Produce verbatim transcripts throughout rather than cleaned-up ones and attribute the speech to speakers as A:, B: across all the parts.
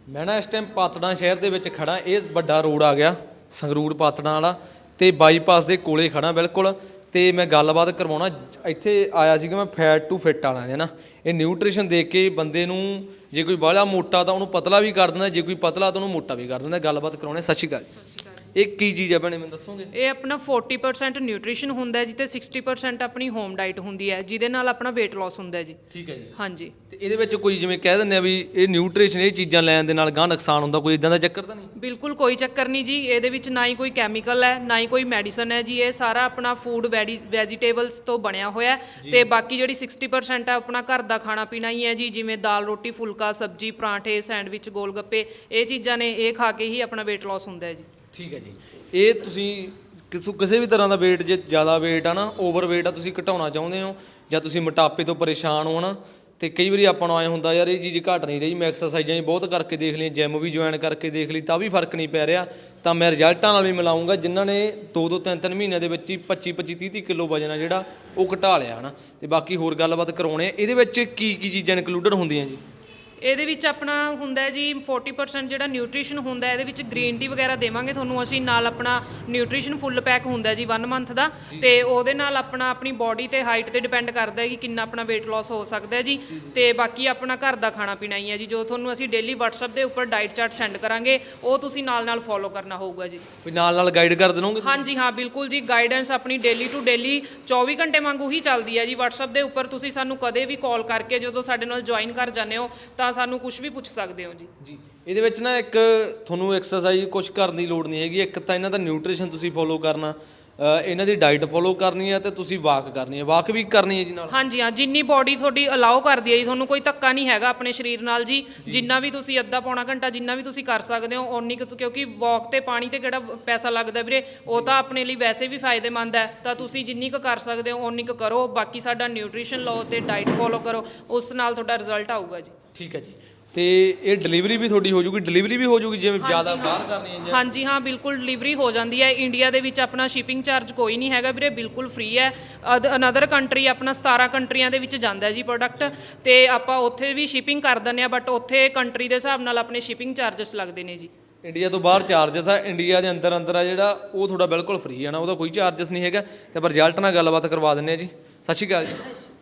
A: मैं ना इस टाइम पातड़ा शहर ਦੇ ਵਿੱਚ ਖੜਾ। ਇਹ ਵੱਡਾ ਰੋਡ ਆ ਗਿਆ ਸੰਗਰੂਰ ਪਾਤੜਾਂ ਵਾਲਾ ਤੇ ਬਾਈਪਾਸ ਦੇ ਕੋਲੇ ਖੜਾ ਬਿਲਕੁਲ। ਤੇ ਮੈਂ ਗੱਲਬਾਤ ਕਰਵਾਉਣਾ ਇੱਥੇ ਆਇਆ ਸੀਗਾ ਮੈਂ ਫੈਟ ਟੂ ਫਿੱਟ ਵਾਲਿਆਂ ਦੇ ਨਾ। ਇਹ ਨਿਊਟ੍ਰੀਸ਼ਨ ਦੇ ਕੇ ਬੰਦੇ ਨੂੰ ਜੇ ਕੋਈ ਬਾਹਲਾ ਮੋਟਾ ਤਾਂ ਉਹਨੂੰ ਪਤਲਾ ਵੀ ਕਰ ਦਿੰਦਾ, ਜੇ ਕੋਈ ਪਤਲਾ ਤਾਂ ਉਹਨੂੰ ਮੋਟਾ ਵੀ ਕਰ ਦਿੰਦਾ। ਗੱਲਬਾਤ ਕਰਾਉਣੇ। ਸਤਿ ਸ਼੍ਰੀ ਅਕਾਲ। ਇਹ ਕੀ ਚੀਜ਼ ਹੈ ਭੈਣੇ ਮੈਨੂੰ ਦੱਸੋਗੇ?
B: ਇਹ ਆਪਣਾ ਚਾਲੀ ਪਰਸੈਂਟ ਨਿਊਟ੍ਰੀਸ਼ਨ ਹੁੰਦਾ ਹੈ ਜੀ ਤੇ ਸਾठ ਪਰਸੈਂਟ ਆਪਣੀ ਹੋਮ ਡਾਈਟ ਹੁੰਦੀ ਹੈ ਜਿਹਦੇ ਨਾਲ ਆਪਣਾ weight loss ਹੁੰਦਾ ਹੈ ਜੀ।
A: ਠੀਕ ਹੈ ਜੀ।
B: ਹਾਂਜੀ।
A: ਤੇ ਇਹਦੇ ਵਿੱਚ ਕੋਈ ਜਿਵੇਂ ਕਹਿ ਦਿੰਦੇ ਆ ਵੀ ਇਹ ਨਿਊਟ੍ਰੀਸ਼ਨ ਇਹ ਚੀਜ਼ਾਂ ਲੈਣ ਦੇ ਨਾਲ ਗਾਂ ਨੁਕਸਾਨ ਹੁੰਦਾ, ਕੋਈ ਇਦਾਂ ਦਾ ਚੱਕਰ ਤਾਂ ਨਹੀਂ?
B: ਬਿਲਕੁਲ ਕੋਈ ਚੱਕਰ ਨਹੀਂ ਜੀ। ਇਹਦੇ ਵਿੱਚ ਨਾ ਹੀ ਕੋਈ ਕੈਮੀਕਲ ਹੈ ਨਾ ਹੀ ਕੋਈ ਮੈਡੀਸਨ ਹੈ ਜੀ। ਇਹ ਸਾਰਾ ਆਪਣਾ ਫੂਡ ਵੈਜੀਟੇਬਲਸ ਤੋਂ ਬਣਿਆ ਹੋਇਆ ਤੇ ਬਾਕੀ ਜਿਹੜੀ ਸਾठ ਪਰਸੈਂਟ ਹੈ ਆਪਣਾ ਘਰ ਦਾ ਖਾਣਾ ਪੀਣਾ ਹੀ ਹੈ ਜੀ। ਜਿਵੇਂ ਦਾਲ ਰੋਟੀ ਫੁਲਕਾ ਸਬਜ਼ੀ ਪਰਾਂਠੇ ਸੈਂਡਵਿਚ ਗੋਲ ਗੱਪੇ ਇਹ ਚੀਜ਼ਾਂ ਨੇ, ਇਹ ਖਾ ਕੇ ਹੀ ਆਪਣਾ weight loss ਹੁੰਦਾ ਹੈ ਜੀ।
A: ਠੀਕ ਹੈ ਜੀ। ਇਹ ਤੁਸੀਂ ਕਿਸੇ ਕਿਸੇ ਵੀ ਤਰ੍ਹਾਂ ਦਾ weight ਜੇ ਜ਼ਿਆਦਾ weight ਆ ਨਾ ਓਵਰ weight ਆ ਤੁਸੀਂ ਘਟਾਉਣਾ ਚਾਹੁੰਦੇ ਹੋ ਜਾਂ ਤੁਸੀਂ ਮੋਟਾਪੇ ਤੋਂ ਪਰੇਸ਼ਾਨ ਹੋ ਨਾ, ਤੇ ਕਈ ਵਾਰੀ ਆਪਾਂ ਨੂੰ ਆਏ ਹੁੰਦਾ ਯਾਰ ਇਹ ਚੀਜ਼ ਘਟ ਨਹੀਂ ਰਹੀ, ਮੈਂ ਐਕਸਰਸਾਈਜ਼ਾਂ ਵੀ ਬਹੁਤ ਕਰਕੇ ਦੇਖ ਲਈਆਂ, ਜਿਮ ਵੀ ਜੁਆਇਨ ਕਰਕੇ ਦੇਖ ਲਈ ਤਾਂ ਵੀ ਫਰਕ ਨਹੀਂ ਪੈ ਰਿਹਾ, ਤਾਂ ਮੈਂ ਰਿਜ਼ਲਟਾਂ ਨਾਲ ਵੀ ਮਿਲਾਉਂਗਾ ਜਿਨ੍ਹਾਂ ਨੇ ਦੋ ਦੋ ਤਿੰਨ ਤਿੰਨ ਮਹੀਨਿਆਂ ਦੇ ਵਿੱਚ ਹੀ ਪੱਚੀ ਪੱਚੀ ਤੀਹ ਤੀਹ ਕਿਲੋ ਵਜਨ ਆ ਜਿਹੜਾ ਉਹ ਘਟਾ ਲਿਆ ਹੈ ਨਾ। ਤੇ ਬਾਕੀ ਹੋਰ ਗੱਲਬਾਤ ਕਰਾਉਣੇ। ਇਹਦੇ ਵਿੱਚ ਕੀ ਕੀ ਚੀਜ਼ਾਂ ਇਨਕਲੂਡਡ ਹੁੰਦੀਆਂ ਜੀ?
B: ਇਹਦੇ ਵਿੱਚ ਆਪਣਾ ਹੁੰਦਾ ਜੀ ਚਾਲੀ ਪਰਸੈਂਟ ਜਿਹੜਾ ਨਿਊਟ੍ਰੀਸ਼ਨ ਹੁੰਦਾ ਇਹਦੇ ਵਿੱਚ ਗ੍ਰੀਨ ਟੀ ਵਗੈਰਾ ਦੇਵਾਂਗੇ ਤੁਹਾਨੂੰ ਅਸੀਂ, ਨਾਲ ਆਪਣਾ ਨਿਊਟ੍ਰੀਸ਼ਨ ਫੁੱਲ ਪੈਕ ਹੁੰਦਾ ਜੀ ਇੱਕ ਮੰਥ ਦਾ, ਤੇ ਉਹਦੇ ਨਾਲ ਆਪਣਾ ਆਪਣੀ ਬਾਡੀ ਤੇ ਹਾਈਟ ਤੇ ਡਿਪੈਂਡ ਕਰਦਾ ਹੈ ਕਿ ਕਿੰਨਾ ਆਪਣਾ weight loss ਹੋ ਸਕਦਾ ਹੈ ਜੀ। ਤੇ ਬਾਕੀ ਆਪਣਾ ਘਰ ਦਾ ਖਾਣਾ ਪੀਣਾ ਹੀ ਹੈ ਜੀ, ਜੋ ਤੁਹਾਨੂੰ ਅਸੀਂ ਡੇਲੀ WhatsApp ਦੇ ਉੱਪਰ ਡਾਈਟ ਚਾਰਟ ਸੈਂਡ ਕਰਾਂਗੇ ਉਹ ਤੁਸੀਂ ਨਾਲ ਨਾਲ ਫੋਲੋ ਕਰਨਾ ਹੋਊਗਾ ਜੀ।
A: ਵੀ ਨਾਲ ਨਾਲ ਗਾਈਡ ਕਰ ਦੇਣੋਗੇ?
B: ਹਾਂਜੀ ਹਾਂ ਬਿਲਕੁਲ ਜੀ। ਗਾਈਡੈਂਸ ਆਪਣੀ ਡੇਲੀ ਟੂ ਡੇਲੀ ਚੌਵੀ ਘੰਟੇ ਵਾਂਗੂ ਹੀ ਚੱਲਦੀ ਹੈ ਜੀ। WhatsApp ਦੇ ਉੱਪਰ ਤੁਸੀਂ ਸਾਨੂੰ ਕਦੇ ਵੀ ਕਾਲ ਕਰਕੇ ਜਦੋਂ ਸਾਡੇ ਨਾਲ ਜੁਆਇਨ ਕਰ ਜਾਂਦੇ ਹੋ ਤਾਂ ਸਾਨੂੰ ਕੁਝ ਵੀ ਪੁੱਛ ਸਕਦੇ ਹੋ ਜੀ।
A: ਜੀ ਇਹਦੇ ਵਿੱਚ ਨਾ ਇੱਕ ਤੁਹਾਨੂੰ ਐਕਸਰਸਾਈਜ਼ ਕੁਝ ਕਰਨ ਦੀ ਲੋੜ ਨਹੀਂ ਹੈਗੀ। ਇੱਕ ਤਾਂ ਇਹਨਾਂ ਦਾ ਨਿਊਟ੍ਰੀਸ਼ਨ ਤੁਸੀਂ ਫੋਲੋ ਕਰਨਾ, ਇਹਨਾਂ ਦੀ ਡਾਈਟ ਫੋਲੋ ਕਰਨੀ ਹੈ ਤੇ ਤੁਸੀਂ ਵਾਕ ਕਰਨੀ ਹੈ। ਵਾਕ ਵੀ ਕਰਨੀ ਹੈ ਜੀ ਨਾਲ? ਹਾਂਜੀ
B: ਹਾਂ, ਜਿੰਨੀ ਬਾਡੀ ਤੁਹਾਡੀ ਅਲਾਓ ਕਰਦੀ ਹੈ ਜੀ, ਤੁਹਾਨੂੰ ਕੋਈ ਧੱਕਾ ਨਹੀਂ ਹੈਗਾ ਆਪਣੇ ਸਰੀਰ ਨਾਲ ਜੀ। ਜਿੰਨਾ ਵੀ ਤੁਸੀਂ ਅੱਧਾ ਪੌਣਾ ਘੰਟਾ ਜਿੰਨਾ ਵੀ ਤੁਸੀਂ ਕਰ ਸਕਦੇ ਹੋ ਓਨੀ ਕੁ, ਕਿਉਂਕਿ ਵਾਕ ਤੇ ਪਾਣੀ ਤੇ ਕਿਹੜਾ ਪੈਸਾ ਲੱਗਦਾ ਵੀਰੇ, ਉਹ ਤਾਂ ਆਪਣੇ ਲਈ ਵੈਸੇ ਵੀ ਫਾਇਦੇਮੰਦ ਹੈ। ਤਾਂ ਤੁਸੀਂ ਜਿੰਨੀ ਕੁ ਕਰ ਸਕਦੇ ਹੋ ਓਨੀ ਕੁ ਕਰੋ। ਬਾਕੀ ਸਾਡਾ ਨਿਊਟ੍ਰੀਸ਼ਨ ਲਓ ਤੇ ਡਾਈਟ ਫੋਲੋ ਕਰੋ, ਉਸ ਨਾਲ ਤੁਹਾਡਾ ਰਿਜ਼ਲਟ ਆਊਗਾ ਜੀ।
A: ਠੀਕ ਹੈ ਜੀ। ਤੇ ਇਹ ਡਿਲੀਵਰੀ ਵੀ ਤੁਹਾਡੀ ਹੋ ਜੂਗੀ? ਡਿਲੀਵਰੀ ਵੀ ਹੋ ਜੂਗੀ ਜਿਵੇਂ ਜ਼ਿਆਦਾ ਬਾਹਰ ਕਰਨੀ ਹੈ?
B: ਹਾਂਜੀ ਹਾਂ ਬਿਲਕੁਲ ਡਿਲੀਵਰੀ ਹੋ ਜਾਂਦੀ ਹੈ। ਇੰਡੀਆ ਦੇ ਵਿੱਚ ਆਪਣਾ ਸ਼ਿਪਿੰਗ ਚਾਰਜ ਕੋਈ ਨਹੀਂ ਹੈਗਾ ਵੀਰੇ, ਬਿਲਕੁਲ ਫ੍ਰੀ ਹੈ। ਅਦ ਅਨਦਰ ਕੰਟਰੀ ਆਪਣਾ ਸਤਾਰਾਂ ਕੰਟਰੀਆਂ ਦੇ ਵਿੱਚ ਜਾਂਦਾ ਜੀ ਪ੍ਰੋਡਕਟ, ਤੇ ਆਪਾਂ ਉੱਥੇ ਵੀ ਸ਼ਿਪਿੰਗ ਕਰ ਦਿੰਦੇ ਹਾਂ, ਬਟ ਉੱਥੇ ਕੰਟਰੀ ਦੇ ਹਿਸਾਬ ਨਾਲ ਆਪਣੇ ਸ਼ਿਪਿੰਗ ਚਾਰਜਸ ਲੱਗਦੇ ਨੇ ਜੀ।
A: ਇੰਡੀਆ ਤੋਂ ਬਾਹਰ ਚਾਰਜਸ ਆ, ਇੰਡੀਆ ਦੇ ਅੰਦਰ ਅੰਦਰ ਆ ਜਿਹੜਾ ਉਹ ਤੁਹਾਡਾ ਬਿਲਕੁਲ ਫ੍ਰੀ ਹੈ ਨਾ, ਉਹਦਾ ਕੋਈ ਚਾਰਜਸ ਨਹੀਂ ਹੈਗਾ। ਤੇ ਆਪਾਂ ਰਿਜ਼ਲਟ ਨਾਲ ਗੱਲਬਾਤ ਕਰਵਾ ਦਿੰਦੇ ਹਾਂ ਜੀ। ਸਤਿ ਸ਼੍ਰੀ ਅਕਾਲ ਜੀ।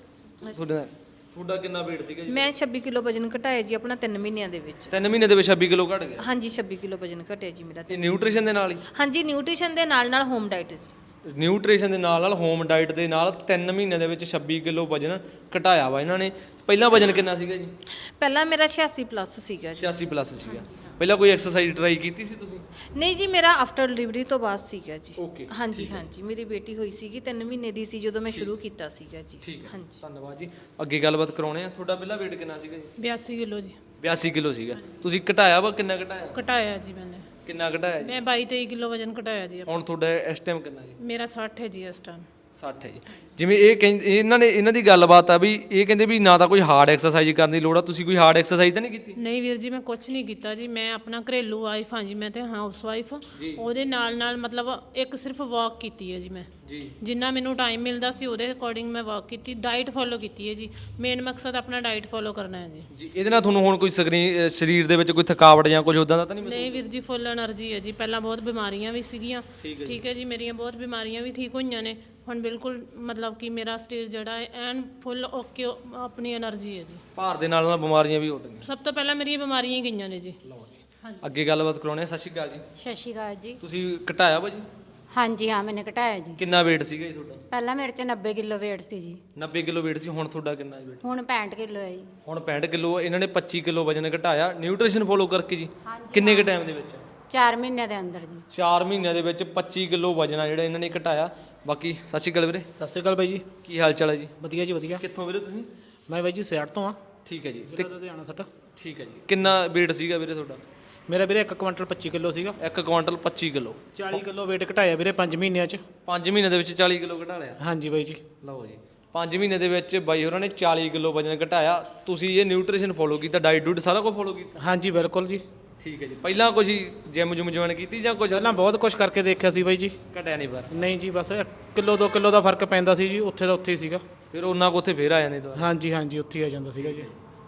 A: ਤੁਹਾਡਾ ਤੁਹਾਡਾ ਕਿੰਨਾ weight ਸੀਗਾ ਜੀ?
C: ਮੈਂ ਛੱਬੀ ਕਿਲੋ ਵਜਨ ਘਟਾਇਆ ਜੀ ਆਪਣਾ ਤਿੰਨ ਮਹੀਨਿਆਂ ਦੇ ਵਿੱਚ।
A: ਤਿੰਨ ਮਹੀਨੇ ਦੇ ਵਿੱਚ ਛੱਬੀ ਕਿਲੋ ਘਟ ਗਿਆ?
C: ਹਾਂਜੀ ਛੱਬੀ ਕਿਲੋ ਵਜਨ ਘਟਿਆ ਜੀ ਮੇਰਾ।
A: ਤੇ ਨਿਊਟ੍ਰੀਸ਼ਨ ਦੇ ਨਾਲ ਹੀ?
C: ਹਾਂਜੀ ਨਿਊਟ੍ਰੀਸ਼ਨ ਦੇ ਨਾਲ ਨਾਲ ਹੋਮ ਡਾਈਟ ਜੀ।
A: ਨਿਊਟ੍ਰੀਸ਼ਨ ਦੇ ਨਾਲ ਨਾਲ ਹੋਮ ਡਾਈਟ ਦੇ ਨਾਲ ਤਿੰਨ ਮਹੀਨਿਆਂ ਦੇ ਵਿੱਚ ਛੱਬੀ ਕਿਲੋ ਵਜਨ ਘਟਾਇਆ ਵਾ ਇਹਨਾਂ ਨੇ। ਪਹਿਲਾਂ ਵਜਨ ਕਿੰਨਾ ਸੀਗਾ ਜੀ?
C: ਪਹਿਲਾਂ ਮੇਰਾ ਛਿਆਸੀ ਪਲੱਸ ਸੀਗਾ ਜੀ।
A: ਛਿਆਸੀ ਪਲੱਸ ਸੀਗਾ। ਪਹਿਲਾਂ ਕੋਈ ਐਕਸਰਸਾਈਜ਼ ਟਰਾਈ ਕੀਤੀ ਸੀ ਤੁਸੀਂ?
C: ਨਹੀਂ ਜੀ, ਮੇਰਾ ਆਫਟਰ ਡਿਲੀਵਰੀ ਤੋਂ ਬਾਅਦ ਸੀਗਾ ਜੀ।
A: ਓਕੇ।
C: ਹਾਂਜੀ ਹਾਂਜੀ, ਮੇਰੀ ਬੇਟੀ ਹੋਈ ਸੀਗੀ ਤਿੰਨ ਮਹੀਨੇ ਦੀ ਸੀ ਜਦੋਂ ਮੈਂ ਸ਼ੁਰੂ ਕੀਤਾ ਸੀਗਾ ਜੀ।
A: ਠੀਕ ਹੈ,
C: ਹਾਂਜੀ
A: ਧੰਨਵਾਦ ਜੀ। ਅੱਗੇ ਗੱਲਬਾਤ ਕਰਾਉਣੇ ਆ। ਤੁਹਾਡਾ ਪਹਿਲਾਂ weight ਕਿੰਨਾ ਸੀਗਾ ਜੀ?
D: ਬਿਆਸੀ ਕਿਲੋ ਜੀ।
A: ਬਿਆਸੀ ਕਿਲੋ ਸੀਗਾ। ਤੁਸੀਂ ਘਟਾਇਆ ਵਾ? ਕਿੰਨਾ ਘਟਾਇਆ?
D: ਘਟਾਇਆ ਜੀ ਮੈਨੇ।
A: ਕਿੰਨਾ ਘਟਾਇਆ ਜੀ?
D: ਮੈਂ ਬਾਈ ਤੇਈ ਕਿਲੋ ਵਜਨ ਘਟਾਇਆ ਜੀ।
A: ਹੁਣ ਤੁਹਾਡਾ ਇਸ ਟਾਈਮ ਕਿੰਨਾ ਜੀ?
D: ਮੇਰਾ ਸੱਠ ਹੈ ਜੀ ਇਸ ਟਾਈਮ।
A: ਸੱਠ ਹੈ ਜੀ। ਜਿਵੇਂ ਇਹ ਕਹਿੰਦੇ ਇਹਨਾਂ ਨੇ ਇਹਨਾਂ ਦੀ ਗੱਲਬਾਤ ਆ ਵੀ ਇਹ ਕਹਿੰਦੇ ਵੀ ਨਾ ਤਾਂ ਕੋਈ ਹਾਰਡ ਐਕਸਰਸਾਈਜ਼ ਕਰਨ ਦੀ ਲੋੜ ਆ, ਤੁਸੀਂ ਕੋਈ ਹਾਰਡ ਐਕਸਰਸਾਈਜ਼ ਤਾਂ ਨਹੀਂ ਕੀਤੀ?
D: ਨਹੀਂ ਵੀਰ ਜੀ, ਮੈਂ ਕੁਝ ਨਹੀਂ ਕੀਤਾ ਜੀ। ਮੈਂ ਆਪਣਾ ਘਰੇਲੂ ਵਾਈਫ ਹਾਂ ਜੀ, ਮੈਂ ਤੇ ਹਾਊਸ ਵਾਈਫ। ਉਹਦੇ ਨਾਲ ਨਾਲ ਮਤਲਬ ਇੱਕ ਸਿਰਫ ਵਾਕ ਕੀਤੀ ਹੈ ਜੀ ਮੈਂ
A: ਜੀ।
D: ਜਿੰਨਾ ਮੈਨੂੰ ਟਾਈਮ ਮਿਲਦਾ ਸੀ ਉਹਦੇ ਅਕੋਰਡਿੰਗ ਮੈਂ ਵਾਕ ਕੀਤੀ। ਡਾਈਟ ਫੋਲੋ ਕੀਤੀ ਹੈ ਜੀ। ਮੇਨ ਮਕਸਦ ਆਪਣਾ ਡਾਈਟ ਫੋਲੋ ਕਰਨਾ ਹੈ ਜੀ।
A: ਜੀ ਇਹਦੇ ਨਾਲ ਤੁਹਾਨੂੰ ਹੁਣ ਕੋਈ ਸਕਰੀਨ ਸਰੀਰ ਦੇ ਵਿੱਚ ਕੋਈ ਥਕਾਵਟ ਜਾਂ ਕੁਝ ਉਦਾਂ ਦਾ ਤਾਂ ਨਹੀਂ ਮਹਿਸੂਸ?
D: ਨਹੀਂ ਵੀਰ ਜੀ, ਫੁੱਲ એનર્ਜੀ ਹੈ ਜੀ। ਪਹਿਲਾਂ ਬਹੁਤ ਬਿਮਾਰੀਆਂ ਵੀ ਸੀਗੀਆਂ, ਠੀਕ ਹੈ ਜੀ, ਮੇਰੀਆਂ ਬਹੁਤ ਬਿਮਾਰੀਆਂ ਵੀ ਠੀਕ ਹੋਈਆਂ ਨੇ। ਹੁਣ ਬਿਲਕੁਲ ਮਤਲਬ ਕਿ ਮੇਰਾ ਸਰੀਰ ਜਿਹੜਾ ਹੈ ਐਨ ਫੁੱਲ ਓਕੇ, ਆਪਣੀ એનર્ਜੀ ਹੈ ਜੀ।
A: ਭਾਰ ਦੇ ਨਾਲ ਨਾਲ ਬਿਮਾਰੀਆਂ ਵੀ ਉੱਡ ਗਈਆਂ?
D: ਸਭ ਤੋਂ ਪਹਿਲਾਂ ਮੇਰੀਆਂ ਬਿਮਾਰੀਆਂ ਹੀ ਗਈਆਂ ਨੇ ਜੀ।
A: ਲਓ ਜੀ, ਅੱਗੇ ਗੱਲਬਾਤ ਕਰਾਉਣੇ ਆ। ਸਤਿ ਸ਼੍ਰੀ ਅਕਾਲ ਜੀ।
E: ਸਤਿ ਸ਼੍ਰੀ ਅਕਾਲ ਜੀ।
A: ਤੁਸੀਂ ਘਟਾਇਆ ਵਾ ਜੀ?
E: ਹਾਂਜੀ ਹਾਂ, ਮੈंने ਘਟਾਇਆ ਜੀ।
A: ਕਿੰਨਾ weight ਸੀਗਾ ਜੀ ਤੁਹਾਡਾ?
E: ਪਹਿਲਾਂ ਮੇਰੇ ਚ ਨੱਬੇ ਕਿਲੋ weight ਸੀ ਜੀ।
A: ਨੱਬੇ ਕਿਲੋ weight ਸੀ। ਹੁਣ ਤੁਹਾਡਾ ਕਿੰਨਾ weight?
E: ਹੁਣ ਪੈਂਹਠ ਕਿਲੋ ਹੈ ਜੀ।
A: ਹੁਣ ਪੈਂਹਠ ਕਿਲੋ। ਇਹਨਾਂ ਨੇ ਪੱਚੀ ਕਿਲੋ ਵਜਨ ਘਟਾਇਆ ਨਿਊਟ੍ਰੀਸ਼ਨ ਫੋਲੋ ਕਰਕੇ ਜੀ। ਕਿੰਨੇ ਕੁ ਟਾਈਮ ਦੇ ਵਿੱਚ?
E: ਚਾਰ ਮਹੀਨਿਆਂ ਦੇ ਅੰਦਰ ਜੀ।
A: ਚਾਰ ਮਹੀਨਿਆਂ ਦੇ ਵਿੱਚ ਪੱਚੀ ਕਿਲੋ ਵਜਨ ਆ ਜਿਹੜਾ ਇਹਨਾਂ ਨੇ ਘਟਾਇਆ। ਬਾਕੀ ਸਤਿ ਸ਼੍ਰੀ ਅਕਾਲ ਵੀਰੇ।
F: ਸਤਿ ਸ਼੍ਰੀ ਅਕਾਲ ਬਾਈ ਜੀ।
A: ਕੀ ਹਾਲ ਚਾਲ ਹੈ ਜੀ?
F: ਵਧੀਆ ਜੀ ਵਧੀਆ।
A: ਕਿੱਥੋਂ ਵੀਰੇ ਤੁਸੀਂ?
F: ਮੈਂ ਬਾਈ ਜੀ ਸਿਆੜ ਤੋਂ ਆ।
A: ਠੀਕ ਹੈ ਜੀ।
F: ਤੇ ਲੁਧਿਆਣਾ ਸੱਟ।
A: ਠੀਕ ਹੈ ਜੀ। ਕਿੰਨਾ weight ਸੀਗਾ ਵੀਰੇ ਤੁਹਾਡਾ?
F: ਮੇਰਾ ਵੀਰੇ ਇੱਕ ਕੁਇੰਟਲ ਪੱਚੀ ਕਿਲੋ ਸੀਗਾ।
A: ਇੱਕ ਕੁਆਂਟਲ ਪੱਚੀ ਕਿਲੋ।
F: ਚਾਲੀ ਕਿਲੋ weight ਘਟਾਇਆ ਵੀਰੇ ਪੰਜ ਮਹੀਨਿਆਂ 'ਚ।
A: ਪੰਜ ਮਹੀਨਿਆਂ ਦੇ ਵਿੱਚ ਚਾਲੀ ਕਿਲੋ ਘਟਾ ਲਿਆ?
F: ਹਾਂਜੀ ਬਾਈ ਜੀ।
A: ਲਓ ਜੀ, ਪੰਜ ਮਹੀਨੇ ਦੇ ਵਿੱਚ ਬਾਈ ਹੋਰਾਂ ਨੇ ਚਾਲੀ ਕਿਲੋ ਵਜਨ ਘਟਾਇਆ। ਤੁਸੀਂ ਇਹ ਨਿਊਟ੍ਰੀਸ਼ਨ ਫੋਲੋ ਕੀਤਾ, ਡਾਈਟ ਡੂਟ ਸਾਰਾ ਕੁਝ ਫੋਲੋ ਕੀਤਾ?
F: ਹਾਂਜੀ ਬਿਲਕੁਲ ਜੀ।
A: ਠੀਕ ਹੈ ਜੀ। ਪਹਿਲਾਂ ਕੁਝ ਜਿਮ ਜੁਮ ਜੁਆਇਨ ਕੀਤੀ ਜਾਂ ਕੁਝ?
F: ਪਹਿਲਾਂ ਬਹੁਤ ਕੁਝ ਕਰਕੇ ਦੇਖਿਆ ਸੀ ਬਾਈ ਜੀ।
A: ਘਟਿਆ ਨਹੀਂ ਪਰ?
F: ਨਹੀਂ ਜੀ, ਬਸ ਕਿਲੋ ਦੋ ਕਿਲੋ ਦਾ ਫਰਕ ਪੈਂਦਾ ਸੀ ਜੀ। ਉੱਥੇ ਦਾ ਉੱਥੇ ਹੀ ਸੀਗਾ।
A: ਫਿਰ ਉਹਨਾਂ ਕੋ ਉੱਥੇ ਫੇਰ ਆ ਜਾਂਦੇ ਦੁਬਾਰਾ?
F: ਹਾਂਜੀ ਹਾਂਜੀ, ਉੱਥੇ ਹੀ ਆ ਜਾਂਦਾ ਸੀਗਾ ਜੀ।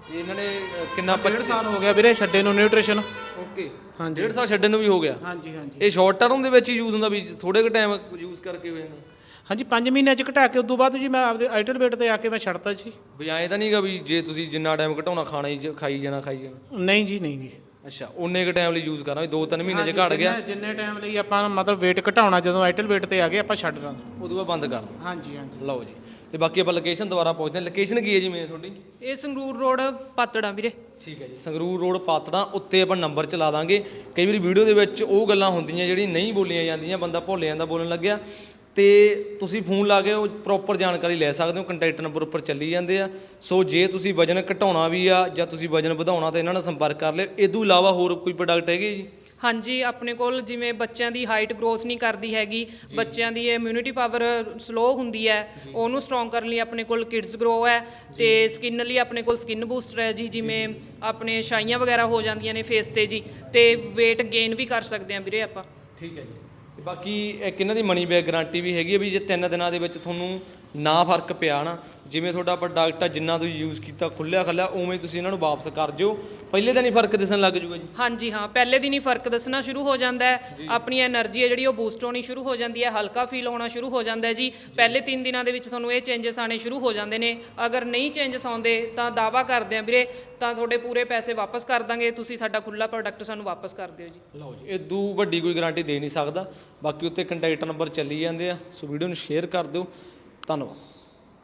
A: ਤੇ ਇਹਨਾਂ ਨੇ ਅ, ਕਿੰਨਾ
F: ਡੇਢ ਸਾਲ ਹੋ ਗਿਆ ਵੀਰੇ ਛੱਡੇ ਨੂੰ ਨਿਊਟ੍ਰੀਸ਼ਨ।
A: ਓਕੇ
F: ਹਾਂਜੀ
A: ਡੇਢ ਸਾਲ ਛੱਡਣ ਨੂੰ ਵੀ ਹੋ ਗਿਆ।
F: ਹਾਂਜੀ ਹਾਂਜੀ
A: ਇਹ ਸ਼ਾਰਟ ਟਰਮ ਦੇ ਵਿੱਚ ਹੀ ਯੂਜ਼ ਹੁੰਦਾ ਵੀ ਥੋੜੇ ਕੁ ਟਾਈਮ ਯੂਜ਼ ਕਰਕੇ ਹੋ ਜਾਂਦਾ?
F: ਹਾਂਜੀ ਪੰਜ ਮਹੀਨਿਆਂ ਚ ਘਟਾ ਕੇ ਉਦੋਂ ਬਾਅਦ ਜੀ ਮੈਂ ਆਪਦੇ ਆਈਟਲ ਵੇਟ ਤੇ ਆ ਕੇ ਮੈਂ ਛੱਡਤਾ ਸੀ।
A: ਵੀ ਐਂ ਤਾਂ ਨਹੀਂਗਾ ਵੀ ਜੇ ਤੁਸੀਂ ਜਿੰਨਾ ਟਾਈਮ ਘਟਾਉਣਾ ਖਾਣਾ ਹੀ ਜ- ਖਾਈ ਜਾਣਾ ਖਾਈ ਜਾਣਾ?
F: ਨਹੀਂ ਜੀ ਨਹੀਂ ਜੀ।
A: ਅੱਛਾ ਉਨੇ ਕੁ ਟਾਈਮ ਲਈ ਯੂਜ਼ ਕਰਨਾ ਵੀ ਦੋ ਤਿੰਨ ਮਹੀਨੇ 'ਚ ਘਟ ਗਿਆ
F: ਜਿੰਨੇ- ਜਿੰਨੇ ਟਾਈਮ ਲਈ ਆਪਾਂ ਮਤਲਬ weight ਘਟਾਉਣਾ ਜਦੋਂ ਆਈਟਲ weight ਤੇ ਆ ਗਏ ਆਪਾਂ ਛੱਡ ਦਾਂ।
A: ਉਦੋਂ ਬਾਅਦ ਬੰਦ ਕਰ ਦਿਓ।
F: ਹਾਂਜੀ ਹਾਂਜੀ
A: ਲਓ ਜੀ ਤੇ ਬਾਕੀ ਆਪਾਂ ਲੋਕੇਸ਼ਨ ਦੁਬਾਰਾ ਪਹੁੰਚਦੇ ਹਾਂ। ਲੋਕੇਸ਼ਨ ਕੀ ਹੈ ਜੀ ਮੇਨ ਤੁਹਾਡੀ?
B: ਇਹ ਸੰਗਰੂਰ ਰੋਡ ਪਾਤੜਾਂ ਵੀਰੇ।
A: ਠੀਕ ਹੈ ਜੀ ਸੰਗਰੂਰ ਰੋਡ ਪਾਤੜਾਂ ਉੱਤੇ ਆਪਾਂ ਨੰਬਰ ਚਲਾ ਦਾਂਗੇ। ਕਈ ਵਾਰੀ ਵੀਡੀਓ ਦੇ ਵਿੱਚ ਉਹ ਗੱਲਾਂ ਹੁੰਦੀਆਂ ਜਿਹੜੀ ਨਹੀਂ ਬੋਲੀਆਂ ਜਾਂਦੀਆਂ, ਬੰਦਾ ਭੁੱਲ ਜਾਂਦਾ ਬੋਲਣ ਲੱਗਿਆ, ਤੇ ਤੁਸੀਂ ਫੋਨ ਲਾ ਕੇ ਉਹ ਪ੍ਰੋਪਰ ਜਾਣਕਾਰੀ ਲੈ ਸਕਦੇ ਹੋ। ਕੰਟੈਕਟ ਨੰਬਰ ਉੱਪਰ ਚੱਲੀ ਜਾਂਦੇ ਆ। ਸੋ ਜੇ ਤੁਸੀਂ ਵਜਨ ਘਟਾਉਣਾ ਵੀ ਆ ਜਾਂ ਤੁਸੀਂ ਵਜਨ ਵਧਾਉਣਾ ਤਾਂ ਇਹਨਾਂ ਨਾਲ ਸੰਪਰਕ ਕਰ ਲਿਓ। ਇਹ ਤੋਂ ਇਲਾਵਾ ਹੋਰ ਕੋਈ ਪ੍ਰੋਡਕਟ ਹੈਗੇ ਜੀ?
B: ਹਾਂਜੀ ਆਪਣੇ ਕੋਲ ਜਿਵੇਂ ਬੱਚਿਆਂ ਦੀ ਹਾਈਟ ਗਰੋਥ ਨਹੀਂ ਕਰਦੀ ਹੈਗੀ, ਬੱਚਿਆਂ ਦੀ ਇਮਿਊਨਿਟੀ ਪਾਵਰ ਸਲੋ ਹੁੰਦੀ ਹੈ, ਉਹਨੂੰ ਸਟਰੋਂਗ ਕਰਨ ਲਈ ਆਪਣੇ ਕੋਲ ਕਿਡਸ ਗਰੋ ਹੈ। ਤੇ ਸਕਿਨ ਲਈ ਆਪਣੇ ਕੋਲ ਸਕਿਨ ਬੂਸਟਰ ਹੈ ਜੀ, ਜਿਵੇਂ ਆਪਣੇ ਛਾਈਆਂ ਵਗੈਰਾ ਹੋ ਜਾਂਦੀਆਂ ਨੇ ਫੇਸ ਤੇ ਜੀ, ਤੇ weight gain ਵੀ ਕਰ ਸਕਦੇ ਹਾਂ ਵੀਰੇ ਆਪਾਂ।
A: ਠੀਕ ਹੈ ਜੀ। ਤੇ ਬਾਕੀ ਇੱਕ ਇਹਨਾਂ ਦੀ ਮਨੀ ਬੈਕ ਗਾਰੰਟੀ ਵੀ ਹੈਗੀ ਹੈ ਵੀ ਜੇ ਤਿੰਨ ਦਿਨਾਂ ਦੇ ਵਿੱਚ ਤੁਹਾਨੂੰ ਨਾ ਫਰਕ ਪਿਆ ਨਾ, ਜਿਵੇਂ ਤੁਹਾਡਾ ਪ੍ਰੋਡਕਟ ਆ ਜਿੰਨਾ ਤੁਸੀਂ ਯੂਜ਼ ਕੀਤਾ ਖੁੱਲਿਆ ਖੱਲਿਆ ਉਵੇਂ ਤੁਸੀਂ ਇਹਨਾਂ ਨੂੰ ਵਾਪਸ ਕਰ ਜਿਓ। ਪਹਿਲੇ ਦਿਨ ਹੀ ਫਰਕ ਦਿਸਣ ਲੱਗ ਜੂਗਾ ਜੀ?
B: ਹਾਂਜੀ ਹਾਂ ਪਹਿਲੇ ਦਿਨ ਹੀ ਫਰਕ ਦੱਸਣਾ ਸ਼ੁਰੂ ਹੋ ਜਾਂਦਾ ਹੈ। ਆਪਣੀ એનર્ਜੀ ਹੈ ਜਿਹੜੀ ਉਹ ਬੂਸਟ ਹੋਣੀ ਸ਼ੁਰੂ ਹੋ ਜਾਂਦੀ ਹੈ, ਹਲਕਾ ਫੀਲ ਹੋਣਾ ਸ਼ੁਰੂ ਹੋ ਜਾਂਦਾ ਹੈ ਜੀ। ਪਹਿਲੇ ਤਿੰਨ ਦਿਨਾਂ ਦੇ ਵਿੱਚ ਤੁਹਾਨੂੰ ਇਹ ਚੇਂਜਸ ਆਣੇ ਸ਼ੁਰੂ ਹੋ ਜਾਂਦੇ ਨੇ। ਅਗਰ ਨਹੀਂ ਚੇਂਜਸ ਆਉਂਦੇ ਤਾਂ ਦਾਵਾ ਕਰਦੇ ਆ ਵੀਰੇ ਤਾਂ ਤੁਹਾਡੇ ਪੂਰੇ ਪੈਸੇ ਵਾਪਸ ਕਰ ਦਾਂਗੇ, ਤੁਸੀਂ ਸਾਡਾ ਖੁੱਲਾ ਪ੍ਰੋਡਕਟ ਸਾਨੂੰ ਵਾਪਸ ਕਰ ਦਿਓ ਜੀ।
A: ਲਓ ਜੀ ਇਦੋਂ ਵੱਡੀ ਕੋਈ ਗਾਰੰਟੀ ਦੇ ਨਹੀਂ ਸਕਦਾ। ਬਾਕੀ ਉੱਤੇ ਕੰਟੈਕਟ ਨੰਬਰ ਚੱਲੀ ਜਾਂਦੇ ਆ। ਸੋ ਵੀਡੀਓ ਨੂੰ ਸ਼ੇਅਰ ਕਰ ਦਿਓ। ਧੰਨਵਾਦ।